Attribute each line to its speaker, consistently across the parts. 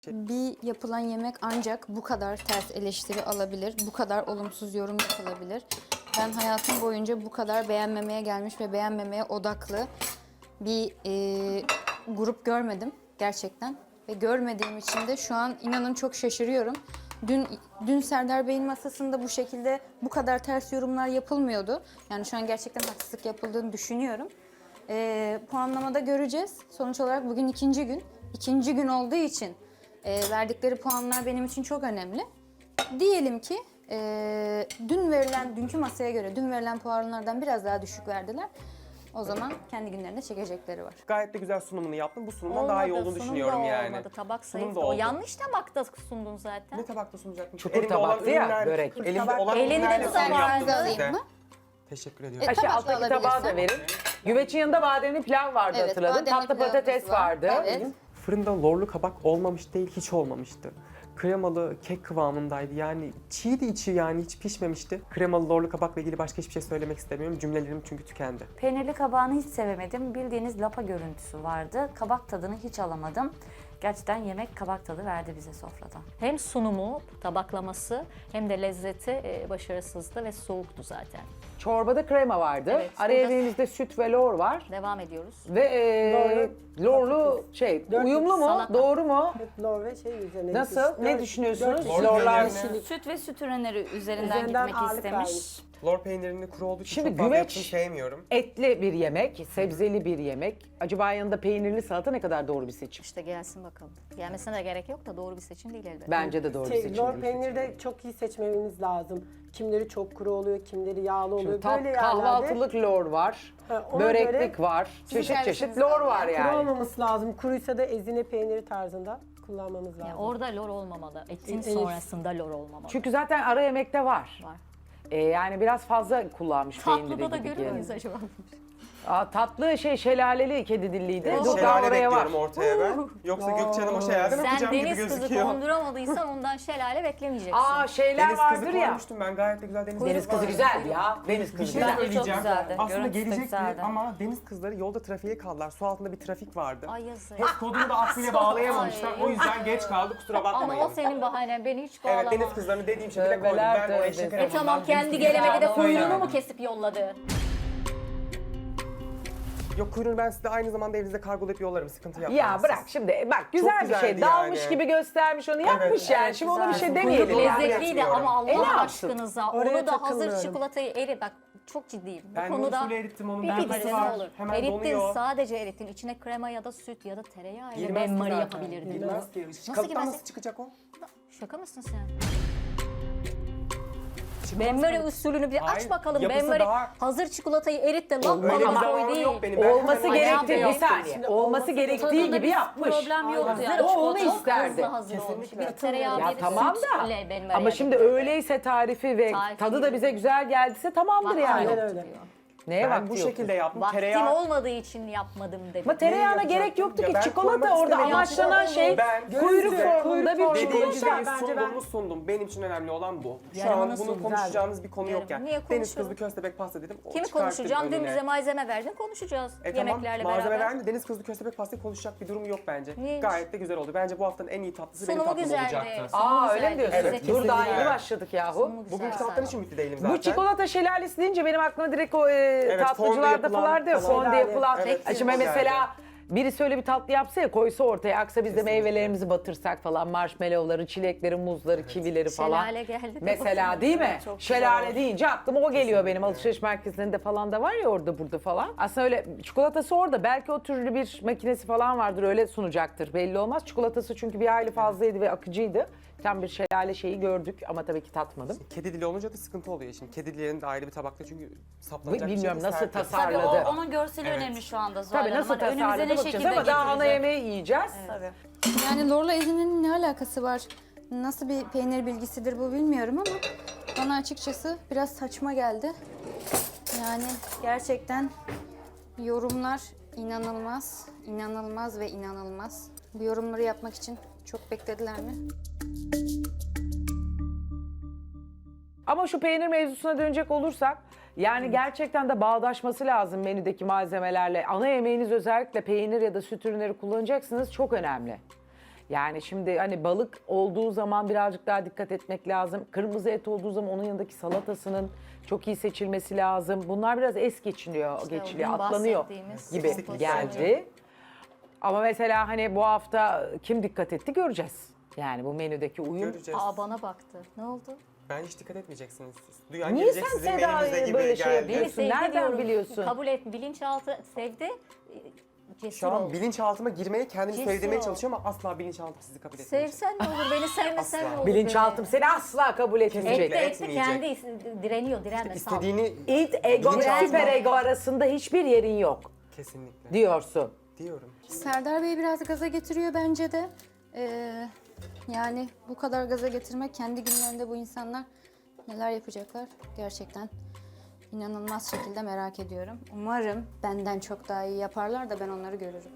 Speaker 1: Bir yapılan yemek ancak bu kadar ters eleştiri alabilir, bu kadar olumsuz yorum yapılabilir. Ben hayatım boyunca bu kadar beğenmemeye gelmiş ve beğenmemeye odaklı bir grup görmedim gerçekten. Ve görmediğim için de şu an inanın çok şaşırıyorum. Dün Serdar Bey'in masasında bu şekilde bu kadar ters yorumlar yapılmıyordu. Yani şu an gerçekten haksızlık yapıldığını düşünüyorum. Puanlamada göreceğiz. Sonuç olarak bugün ikinci gün. İkinci gün olduğu için verdikleri puanlar benim için çok önemli. Diyelim ki dünkü masaya göre dün verilen puanlardan biraz daha düşük verdiler. O zaman kendi günlerinde çekecekleri var.
Speaker 2: Gayet de güzel sunumunu yaptın. Bu sunumdan daha iyi olduğunu düşünüyorum yani.
Speaker 3: Olmadı. Tabak
Speaker 2: Sunum
Speaker 3: zayıf.
Speaker 2: da
Speaker 3: O
Speaker 2: oldu.
Speaker 3: yanlış tabakta sundun zaten.
Speaker 2: Ne tabakta sunacakmış?
Speaker 4: Çukur
Speaker 2: Elimde olan
Speaker 4: tabaktı ya,
Speaker 2: ürünler-
Speaker 4: börek.
Speaker 2: Elimde olan
Speaker 3: Elinde
Speaker 2: ürünlerle
Speaker 3: de
Speaker 2: sunum
Speaker 3: tabağı
Speaker 2: yaptım
Speaker 1: da
Speaker 2: size.
Speaker 1: alayım mı?
Speaker 2: Teşekkür ediyorum.
Speaker 1: E,
Speaker 4: Aşı
Speaker 1: tabak
Speaker 4: alttaki
Speaker 1: alabilirsen.
Speaker 4: tabağı da verin. Güvecin yanında bademli pilav vardı
Speaker 1: Evet,
Speaker 4: hatırladım.
Speaker 1: bademli
Speaker 4: Tatlı
Speaker 1: pilavımız
Speaker 4: patates
Speaker 1: var.
Speaker 4: vardı.
Speaker 1: Evet.
Speaker 2: Fırında lorlu kabak olmamış değil, hiç olmamıştı. Kremalı kek kıvamındaydı. Yani çiğdi içi, yani hiç pişmemişti. Kremalı lorlu kabakla ilgili başka hiçbir şey söylemek istemiyorum. Cümlelerim çünkü tükendi.
Speaker 5: Peynirli kabağını hiç sevemedim. Bildiğiniz lapa görüntüsü vardı. Kabak tadını hiç alamadım. Gerçekten yemek kabak tadı verdi bize sofrada.
Speaker 3: Hem sunumu, tabaklaması hem de lezzeti başarısızdı ve soğuktu zaten.
Speaker 4: Çorbada krema vardı.
Speaker 3: Evet,
Speaker 4: Araya
Speaker 3: burada-
Speaker 4: evinizde süt ve lor var.
Speaker 3: Devam ediyoruz.
Speaker 4: Ve lorlu uyumlu mu?
Speaker 3: salata.
Speaker 4: Doğru mu?
Speaker 6: Lor ve şey üzerine.
Speaker 4: Nasıl? Ne düşünüyorsunuz? Lorlar.
Speaker 5: Süt ve süt ürünleri üzerinden
Speaker 6: Üzerinden
Speaker 5: gitmek
Speaker 6: ağırlık
Speaker 5: istemiş.
Speaker 6: vermiş.
Speaker 2: Lor peynirinin kuru olduğu için
Speaker 4: Şimdi
Speaker 2: çok fazla
Speaker 4: güveç-
Speaker 2: yapısını sevmiyorum.
Speaker 4: Etli bir yemek, sebzeli bir yemek. Acaba yanında peynirli salata ne kadar doğru bir seçim?
Speaker 3: İşte gelsin bakalım. Gelmesine de gerek yok da doğru bir seçim değil elbette.
Speaker 4: Bence de doğru bir seçim.
Speaker 6: Lor peyniri de çok iyi seçmemiz lazım. Kimleri çok kuru oluyor, kimleri yağlı oluyor.
Speaker 4: Şimdi
Speaker 6: Böyle yerlerde
Speaker 4: kahvaltılık lor var,
Speaker 6: Ha, ona
Speaker 4: böreklik
Speaker 6: göre
Speaker 4: var, çeşit çeşit
Speaker 1: servisiniz
Speaker 4: lor
Speaker 1: var
Speaker 4: var
Speaker 6: kuru
Speaker 4: yani.
Speaker 6: olmaması lazım. Kuruysa da ezine peyniri tarzında kullanmamız lazım.
Speaker 3: Yani orada lor olmamalı. Etin
Speaker 6: Evet.
Speaker 3: sonrasında lor olmamalı.
Speaker 4: Çünkü zaten ara yemekte var.
Speaker 3: Var.
Speaker 4: Yani biraz fazla kullanmış peyniri
Speaker 3: Tatlıda da
Speaker 4: gibi
Speaker 3: görüyor
Speaker 4: geldi.
Speaker 3: muyuz acaba?
Speaker 4: Tatlı şelaleli kedi dilliydi.
Speaker 3: Evet,
Speaker 4: Çok daha
Speaker 2: Şelale
Speaker 4: oraya var.
Speaker 2: bekliyorum ortaya ben. Yoksa Gökçe Hanım o şelale mi
Speaker 3: Sen
Speaker 2: yapacağım gibi
Speaker 3: deniz kızı
Speaker 2: gözüküyor.
Speaker 3: konduramadıysan ondan şelale beklemeyeceksin.
Speaker 4: Şeyler
Speaker 2: Deniz
Speaker 4: vardır
Speaker 2: kızı
Speaker 4: ya.
Speaker 2: koymuştum ben, gayet de güzel deniz
Speaker 4: Deniz kızı
Speaker 2: vardı.
Speaker 4: güzel ya. Deniz
Speaker 2: Bir
Speaker 4: kızı
Speaker 2: şey
Speaker 4: güzel.
Speaker 5: Bence çok
Speaker 2: söyleyeceğim.
Speaker 5: güzeldi.
Speaker 2: Aslında
Speaker 5: Görüntüsü de
Speaker 2: gelecekti
Speaker 5: güzeldi.
Speaker 2: ama deniz kızları yolda trafiğe kaldılar. Su altında bir trafik vardı.
Speaker 3: Ay yazık.
Speaker 2: Hep kodunu da aklıyla bağlayamamışlar. O yüzden geç kaldı, kusura bakmayın.
Speaker 3: Ama o senin bahanen. Beni hiç bağlama.
Speaker 2: Evet, deniz kızlarını dediğim şekilde koydum.
Speaker 4: Tövbeler
Speaker 2: Ben oraya
Speaker 4: tövbesi.
Speaker 2: şeker
Speaker 3: Tamam,
Speaker 2: almadan
Speaker 3: kendi
Speaker 2: deniz
Speaker 3: gelemedi de
Speaker 2: kızlarını
Speaker 3: kuyruğunu mu
Speaker 2: söylemedim.
Speaker 3: kesip yolladı?
Speaker 2: Yok, kuyruğunu ben size aynı zamanda evinizde kargolayıp yollarım. Sıkıntı yapmayın.
Speaker 4: Ya bırak şimdi bak güzel bir şey.
Speaker 2: güzeldi
Speaker 4: Dalmış
Speaker 2: yani.
Speaker 4: gibi göstermiş onu yapmış yani.
Speaker 2: evet,
Speaker 4: Şimdi ona bir
Speaker 6: güzel.
Speaker 4: şey demeyelim.
Speaker 2: Kuyruk
Speaker 4: yani.
Speaker 3: Lezzetliydi
Speaker 2: etmiyorum.
Speaker 3: ama
Speaker 4: ne
Speaker 3: Allah
Speaker 4: yapsın?
Speaker 3: aşkınıza
Speaker 6: Oraya
Speaker 3: onu da hazır
Speaker 6: takılmıyorum.
Speaker 3: çikolatayı bak çok ciddiyim. Bu
Speaker 2: Ben
Speaker 3: konuda
Speaker 2: usulü erittim, onun
Speaker 3: bir
Speaker 2: bilgisi
Speaker 3: bilgisi
Speaker 2: var.
Speaker 3: olur.
Speaker 2: Hemen
Speaker 3: Erittin,
Speaker 2: donuyor.
Speaker 3: sadece erittin. İçine krema ya da süt ya da tereyağı ile
Speaker 2: Girmez ki
Speaker 3: benmari
Speaker 2: zaten.
Speaker 3: yapabilirdin.
Speaker 2: Girmez ki.
Speaker 3: Nasıl
Speaker 2: Kalıptan
Speaker 3: girmez?
Speaker 2: nasıl çıkacak o?
Speaker 3: Şaka mısın sen?
Speaker 2: Çıkmaz
Speaker 3: Benmari
Speaker 2: kalıp.
Speaker 3: usulünü bir
Speaker 2: Hayır,
Speaker 3: aç bakalım.
Speaker 2: yapısı
Speaker 3: Benmari
Speaker 2: daha-
Speaker 3: hazır çikolatayı erit de lap
Speaker 2: Öyle bir
Speaker 3: bana koy
Speaker 2: zamanım
Speaker 3: değil.
Speaker 2: yok benim. Ben
Speaker 4: Olması
Speaker 2: hemen
Speaker 4: gerektiği bir
Speaker 3: yapıyor.
Speaker 4: saniye. Olması gerektiği gibi yapmış.
Speaker 5: Problem yoktu
Speaker 3: Hazır
Speaker 5: yani.
Speaker 4: O onu
Speaker 3: çok
Speaker 4: isterdi.
Speaker 3: hızlı hazır olmuş.
Speaker 2: Kesinlikle.
Speaker 3: Bir tereyağı
Speaker 4: Ya
Speaker 3: bir
Speaker 4: tamam
Speaker 3: süt
Speaker 4: da
Speaker 3: ile benmari
Speaker 4: ama şimdi
Speaker 3: yapıyor.
Speaker 4: öyleyse tarifi ve
Speaker 3: Tarifi
Speaker 4: tadı da
Speaker 3: değil.
Speaker 4: bize güzel geldiyse tamamdır
Speaker 3: Vakti
Speaker 4: yani.
Speaker 3: yok
Speaker 6: öyle.
Speaker 3: diyor.
Speaker 4: Neye
Speaker 2: Ben
Speaker 4: vakti
Speaker 2: bu
Speaker 4: yok?
Speaker 2: şekilde yaptım.
Speaker 3: Vaktim
Speaker 2: Tereyağı...
Speaker 3: olmadığı için yapmadım dedim.
Speaker 4: Ama tereyağına
Speaker 2: Neyi
Speaker 4: gerek
Speaker 2: yapacaktım?
Speaker 4: yoktu
Speaker 2: Ya
Speaker 4: ki.
Speaker 2: ben
Speaker 4: Çikolata
Speaker 2: koymak
Speaker 4: orada
Speaker 2: istemedim.
Speaker 4: amaçlanan şey
Speaker 2: Ben
Speaker 4: kuyruk
Speaker 2: size
Speaker 4: formunda bir
Speaker 2: dediğim
Speaker 4: çikolata.
Speaker 2: güzeli
Speaker 6: bence
Speaker 2: sundum
Speaker 6: ben-
Speaker 2: mu sundum. Benim için önemli olan bu. Şu
Speaker 3: Yarımını
Speaker 2: an bunu
Speaker 3: sundum.
Speaker 2: konuşacağımız bir konu yok
Speaker 3: Yarım.
Speaker 2: yani.
Speaker 3: Niye
Speaker 2: Deniz
Speaker 3: konuşalım?
Speaker 2: kızlı köstebek pasta dedim.
Speaker 3: Kimi
Speaker 2: çıkarttım
Speaker 3: konuşacağım? Dün
Speaker 2: önüne.
Speaker 3: bize malzeme verdin, konuşacağız.
Speaker 2: Tamam,
Speaker 3: Yemeklerle
Speaker 2: malzeme
Speaker 3: beraber.
Speaker 2: verdi. Deniz kızlı köstebek pastayı konuşacak bir durum yok bence.
Speaker 3: Niyeymiş?
Speaker 2: Gayet de güzel oldu. Bence bu haftanın en iyi tatlısı benim
Speaker 3: Sunumu
Speaker 2: tatlım
Speaker 3: güzeldi.
Speaker 2: olacaktı.
Speaker 4: Aa öyle mi
Speaker 3: güzeldi.
Speaker 4: diyorsun?
Speaker 2: Evet,
Speaker 4: Dur daha
Speaker 2: kesinlikle.
Speaker 4: yeni başladık yahu.
Speaker 3: Sunumu güzel
Speaker 2: Bugünkü tatlıdan
Speaker 3: zaten.
Speaker 2: için mutlu değilim zaten.
Speaker 4: Bu çikolata şelalesi deyince benim aklıma direkt o tatlıcılarda
Speaker 2: fondü
Speaker 4: falan diyor.
Speaker 2: yapılan-
Speaker 4: Fonde yapılan.
Speaker 2: Evet,
Speaker 4: Şimdi
Speaker 2: güzeldi.
Speaker 4: mesela birisi öyle bir tatlı yapsa ya koysa ortaya aksa biz de meyvelerimizi batırsak falan marshmallowları, çilekleri, muzları, kivileri falan.
Speaker 3: Şelale geldi.
Speaker 4: Mesela değil mi?
Speaker 5: Çok güzel
Speaker 4: Şelale
Speaker 5: olmuş.
Speaker 4: deyince aklıma o geliyor benim. Alışveriş merkezlerinde falan da var ya orada burada falan. Aslında öyle çikolatası orada. Belki o türlü bir makinesi falan vardır öyle sunacaktır. Belli olmaz. Çikolatası çünkü bir hayli fazlaydı ve akıcıydı. Tam bir şelale şeyi gördük ama tabii ki tatmadım.
Speaker 2: Kedi dili olunca da sıkıntı oluyor şimdi. Kedi dillerini de ayrı bir tabakta çünkü saplanacak bir
Speaker 4: Bilmiyorum
Speaker 2: şey de
Speaker 4: nasıl
Speaker 2: sert.
Speaker 5: Tabii
Speaker 4: tasarladı.
Speaker 5: onun görseli
Speaker 2: Evet.
Speaker 5: önemli şu anda Zuhal
Speaker 4: Tabii
Speaker 5: Hanım.
Speaker 4: nasıl
Speaker 5: Hani önümüze
Speaker 4: tasarladı
Speaker 5: ne
Speaker 4: bakacağız
Speaker 5: şekilde
Speaker 4: ama daha ana
Speaker 5: getirecek?
Speaker 4: yemeği yiyeceğiz.
Speaker 5: Tabii.
Speaker 1: Yani lorla ezinin ne alakası var? Nasıl bir peynir bilgisidir bu bilmiyorum ama bana açıkçası biraz saçma geldi. Yani gerçekten yorumlar inanılmaz, inanılmaz ve inanılmaz. Bu yorumları yapmak için çok beklediler mi?
Speaker 4: Ama şu peynir mevzusuna dönecek olursak yani gerçekten de bağdaşması lazım menüdeki malzemelerle. Ana yemeğiniz özellikle peynir ya da süt ürünleri kullanacaksınız çok önemli. Yani şimdi hani balık olduğu zaman birazcık daha dikkat etmek lazım. Kırmızı et olduğu zaman onun yanındaki salatasının çok iyi seçilmesi lazım. Bunlar biraz es geçiliyor,
Speaker 3: dün
Speaker 4: atlanıyor
Speaker 3: bahsettiğimiz
Speaker 4: gibi
Speaker 2: kesinlikle
Speaker 4: geldi. Ama mesela hani bu hafta kim dikkat etti göreceğiz. Yani bu menüdeki uyum.
Speaker 2: Göreceğiz.
Speaker 3: Aa, bana baktı. Ne oldu?
Speaker 2: Ben hiç dikkat etmeyeceksiniz siz. Duyan
Speaker 4: Niye
Speaker 2: gelecek
Speaker 4: sen
Speaker 2: sizin menünüzde
Speaker 4: Seda'yı
Speaker 2: gibi
Speaker 4: böyle şey
Speaker 2: geldi.
Speaker 4: yapıyorsun?
Speaker 3: Beni sevdi
Speaker 4: Nereden
Speaker 3: diyorum.
Speaker 4: biliyorsun?
Speaker 3: Kabul et. Bilinçaltı sevdi. Cesur
Speaker 2: Şu an
Speaker 3: ol.
Speaker 2: bilinçaltıma girmeye, kendimi
Speaker 3: Cesur
Speaker 2: sevdirmeye
Speaker 3: ol.
Speaker 2: çalışıyorum ama asla bilinçaltım sizi kabul etmeyecek.
Speaker 3: Sevsen ne olur, beni sevmesen
Speaker 2: Asla.
Speaker 3: ne olur.
Speaker 4: Bilinçaltım seni asla kabul etmeyecek.
Speaker 2: Kesinlikle.
Speaker 3: Etti
Speaker 2: etmeyecek.
Speaker 3: kendi direniyor, direnme. sal.
Speaker 2: İstediğini
Speaker 4: İt ego ve
Speaker 2: Bilinçaltı-
Speaker 4: süper ego arasında hiçbir yerin yok
Speaker 2: kesinlikle
Speaker 4: diyorsun.
Speaker 2: diyorum.
Speaker 1: Serdar Bey biraz gaza getiriyor bence de. Yani bu kadar gaza getirmek, kendi günlerinde bu insanlar neler yapacaklar gerçekten inanılmaz şekilde merak ediyorum. Umarım benden çok daha iyi yaparlar da ben onları görürüm.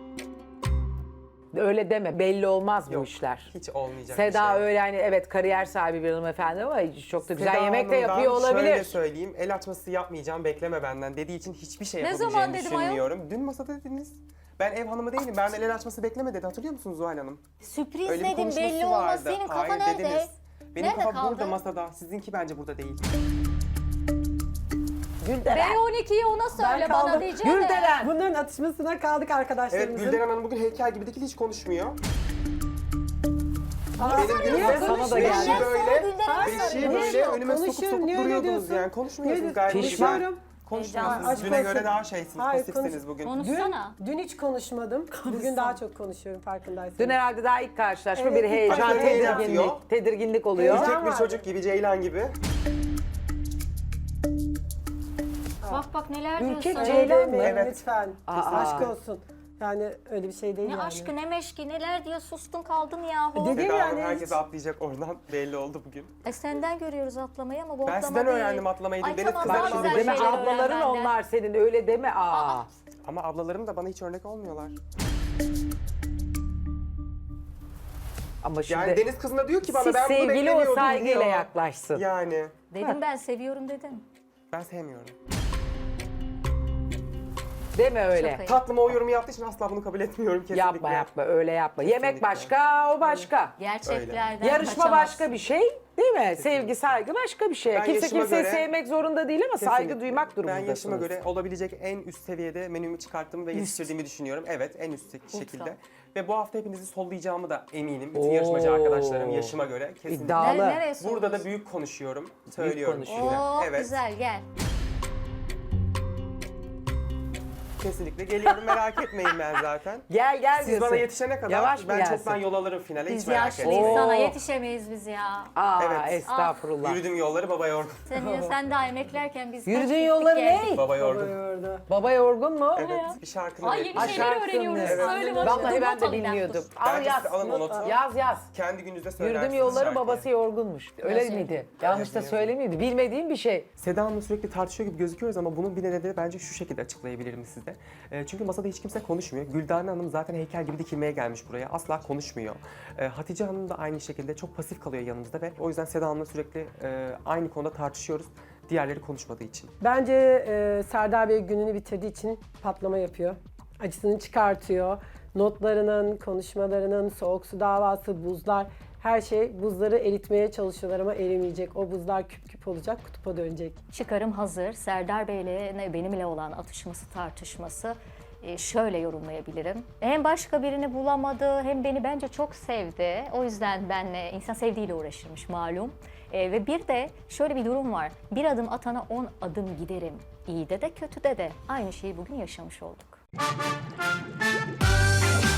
Speaker 4: Öyle deme, belli olmaz bu
Speaker 2: Yok,
Speaker 4: işler.
Speaker 2: hiç olmayacak
Speaker 4: Seda
Speaker 2: bir şey.
Speaker 4: öyle hani evet kariyer sahibi bir hanımefendi ama çok da güzel
Speaker 2: Seda
Speaker 4: yemek de
Speaker 2: Hanım'dan
Speaker 4: yapıyor
Speaker 2: Şöyle
Speaker 4: olabilir.
Speaker 2: söyleyeyim, el açması yapmayacağım, bekleme benden dediği için hiçbir şey
Speaker 3: Ne
Speaker 2: yapabileceğimi
Speaker 3: zaman dedim ayol?
Speaker 2: düşünmüyorum. Dün masada dediniz. Ben ev hanımı değilim, ben el açması bekleme dedi. Hatırlıyor musunuz Zuhal Hanım?
Speaker 3: Sürpriz
Speaker 2: Öyle bir
Speaker 3: dedim,
Speaker 2: konuşması
Speaker 3: belli olmaz.
Speaker 2: vardı.
Speaker 3: Senin kafa
Speaker 2: Hayır
Speaker 3: nerede?
Speaker 2: dediniz. Benim
Speaker 3: Nerede
Speaker 2: kafa
Speaker 3: kaldı?
Speaker 2: burada masada, sizinki bence burada değil.
Speaker 4: Gülderen.
Speaker 3: B12'yi ona söyle, bana
Speaker 6: kaldım.
Speaker 3: diyeceğim.
Speaker 4: Gülderen.
Speaker 6: Bunların atışmasına kaldık
Speaker 2: Evet,
Speaker 6: arkadaşlarımızın.
Speaker 2: Gülden Hanım bugün heykel gibi değil, hiç konuşmuyor.
Speaker 6: Aa,
Speaker 2: Benim günümde
Speaker 4: Sana da geldi.
Speaker 2: beşi böyle,
Speaker 3: Gülden'e
Speaker 2: beşi böyle önüme sokup
Speaker 6: Konuşuyorum,
Speaker 2: sokup
Speaker 6: niye öyle
Speaker 2: duruyordunuz
Speaker 6: diyorsun?
Speaker 2: yani. Konuşmuyorsunuz
Speaker 6: Niye
Speaker 2: gayet
Speaker 4: Pişman.
Speaker 2: güzel. Konuşmuyorsunuz.
Speaker 6: Aşk
Speaker 2: Düne
Speaker 6: olsun.
Speaker 2: göre daha şeysiniz,
Speaker 6: Hayır,
Speaker 2: pasifsiniz bugün.
Speaker 3: Konuşsana.
Speaker 6: Dün hiç konuşmadım. Bugün daha çok konuşuyorum farkındaysanız.
Speaker 4: Dün herhalde daha ilk karşılaşma
Speaker 6: Evet,
Speaker 4: bir heyecan,
Speaker 2: Başka bir heyecan
Speaker 4: tedirginlik,
Speaker 2: yapıyor.
Speaker 4: tedirginlik oluyor.
Speaker 6: Heyecan.
Speaker 2: Küçük bir
Speaker 6: vardı.
Speaker 2: çocuk gibi, Ceylan gibi.
Speaker 3: Bak neler
Speaker 4: Ülke
Speaker 3: diyorsun.
Speaker 6: Öyle
Speaker 4: Ceylan mı?
Speaker 6: demeyin
Speaker 2: Evet.
Speaker 6: lütfen.
Speaker 4: Aa.
Speaker 6: Aşk olsun. Yani öyle bir şey değil
Speaker 3: Ne
Speaker 6: yani.
Speaker 3: aşkı ne meşki, neler diyor, sustun kaldın yahu.
Speaker 6: Dedim
Speaker 2: Seda Hanım
Speaker 6: yani
Speaker 2: herkes
Speaker 6: hiç-
Speaker 2: atlayacak oradan, belli oldu bugün.
Speaker 3: Senden görüyoruz atlamayı ama bu
Speaker 2: Ben
Speaker 3: atlama
Speaker 2: sizden
Speaker 3: değil.
Speaker 2: öğrendim atlamayı.
Speaker 3: Ay
Speaker 2: Deniz
Speaker 3: tamam,
Speaker 2: kızları
Speaker 3: daha
Speaker 2: şimdi
Speaker 3: güzel
Speaker 4: Deme
Speaker 3: şeyler öğren
Speaker 4: ablaların
Speaker 3: benden.
Speaker 4: onlar senin öyle deme. Aa.
Speaker 2: Ama ablalarım da bana hiç örnek olmuyorlar.
Speaker 4: Ama şimdi
Speaker 2: Yani Deniz kızına diyor ki bana
Speaker 4: siz
Speaker 2: ben bunu
Speaker 4: sevgili
Speaker 2: beklemiyordum
Speaker 4: o saygıyla
Speaker 2: diyor.
Speaker 4: yaklaşsın.
Speaker 2: Yani
Speaker 3: Dedim ben seviyorum dedim.
Speaker 2: ben sevmiyorum.
Speaker 4: Deme öyle.
Speaker 3: Çok ayıp.
Speaker 2: Tatlıma o yorumu yaptığı için asla bunu kabul etmiyorum kesinlikle.
Speaker 4: Yapma yapma öyle yapma. Yemek
Speaker 2: Kesinlikle.
Speaker 4: başka o başka.
Speaker 3: Gerçeklerden
Speaker 4: Yarışma
Speaker 3: kaçamazsın.
Speaker 4: başka bir şey değil mi? Sevgi saygı başka bir şey.
Speaker 2: Ben
Speaker 4: Kimse
Speaker 2: yaşıma
Speaker 4: kimseyi
Speaker 2: göre-
Speaker 4: sevmek zorunda değil ama saygı
Speaker 2: Kesinlikle.
Speaker 4: duymak
Speaker 2: Ben
Speaker 4: durumundasınız.
Speaker 2: yaşıma göre olabilecek en üst seviyede menümü çıkarttığımı ve yetiştirdiğimi düşünüyorum. Evet, en üst şekilde. Ve bu hafta hepinizi sollayacağımı da eminim. Bütün
Speaker 4: Oo.
Speaker 2: yarışmacı arkadaşlarım yaşıma göre kesinlikle.
Speaker 4: İddialı.
Speaker 3: Nereye
Speaker 2: Burada
Speaker 3: soruyorsun?
Speaker 2: da büyük konuşuyorum, söylüyorum.
Speaker 4: konuşuyor.
Speaker 3: Oo
Speaker 2: Evet.
Speaker 3: güzel gel.
Speaker 2: Kesinlikle geliyorum, merak etmeyin ben zaten.
Speaker 4: Gel gel
Speaker 2: Siz
Speaker 4: diyorsun.
Speaker 2: bana yetişene kadar
Speaker 4: Yavaş mı
Speaker 2: ben
Speaker 4: gelsin?
Speaker 2: çoktan yol alırım finale, hiç
Speaker 3: Biz
Speaker 2: merak
Speaker 3: yaşlıyız,
Speaker 2: etmeyin.
Speaker 3: sana
Speaker 4: Oo.
Speaker 3: yetişemeyiz biz ya.
Speaker 4: Aa
Speaker 2: Evet.
Speaker 4: estağfurullah.
Speaker 2: Yürüdüm yolları baba yorgun.
Speaker 3: Sen daha emeklerken biz kaç
Speaker 4: Yürüdüğün
Speaker 3: gittik
Speaker 4: yolları
Speaker 3: geldik.
Speaker 4: ne?
Speaker 2: Baba yorgun.
Speaker 6: Orada.
Speaker 4: Baba yorgun mu?
Speaker 2: Evet, bir şarkını
Speaker 3: Ay
Speaker 2: bekliyorum.
Speaker 3: yeni şeyler öğreniyoruz.
Speaker 4: Evet.
Speaker 3: Söyle bakalım.
Speaker 4: Vallahi ben
Speaker 3: Not
Speaker 4: de
Speaker 3: alayım
Speaker 4: bilmiyordum.
Speaker 3: dur.
Speaker 4: Al
Speaker 2: Bence
Speaker 4: yaz.
Speaker 2: siz alın o notu.
Speaker 4: Yaz.
Speaker 2: Kendi gününüzde söylersiniz
Speaker 4: Yürüdüm yolları
Speaker 2: şarkıyı.
Speaker 4: babası yorgunmuş. Öyle
Speaker 3: Nasıl?
Speaker 4: miydi? Yanlış da söylemiydi. Bilmediğim bir şey.
Speaker 2: Seda Hanım'la sürekli tartışıyor gibi gözüküyoruz ama bunun bir nedeni bence şu şekilde açıklayabilirim size. Çünkü masada hiç kimse konuşmuyor. Güldane Hanım zaten heykel gibi dikilmeye gelmiş buraya. Asla konuşmuyor. Hatice Hanım da aynı şekilde çok pasif kalıyor yanımızda ve o yüzden Seda Hanım'la sürekli aynı konuda tartışıyoruz. Diğerleri konuşmadığı için.
Speaker 6: Bence Serdar Bey gününü bitirdiği için patlama yapıyor. Acısını çıkartıyor. Notlarının, konuşmalarının, soğuk su davası, buzlar, her şey buzları eritmeye çalışıyorlar ama erimeyecek. O buzlar küp küp olacak, kutupa dönecek.
Speaker 3: Çıkarım hazır. Serdar Bey'le benimle olan atışması, tartışması şöyle yorumlayabilirim. Hem başka birini bulamadı hem beni bence çok sevdi. O yüzden benle insan sevdiğiyle uğraşırmış malum. Ve bir de şöyle bir durum var. Bir adım atana 10 adım giderim. İyide de kötüde de aynı şeyi bugün yaşamış olduk.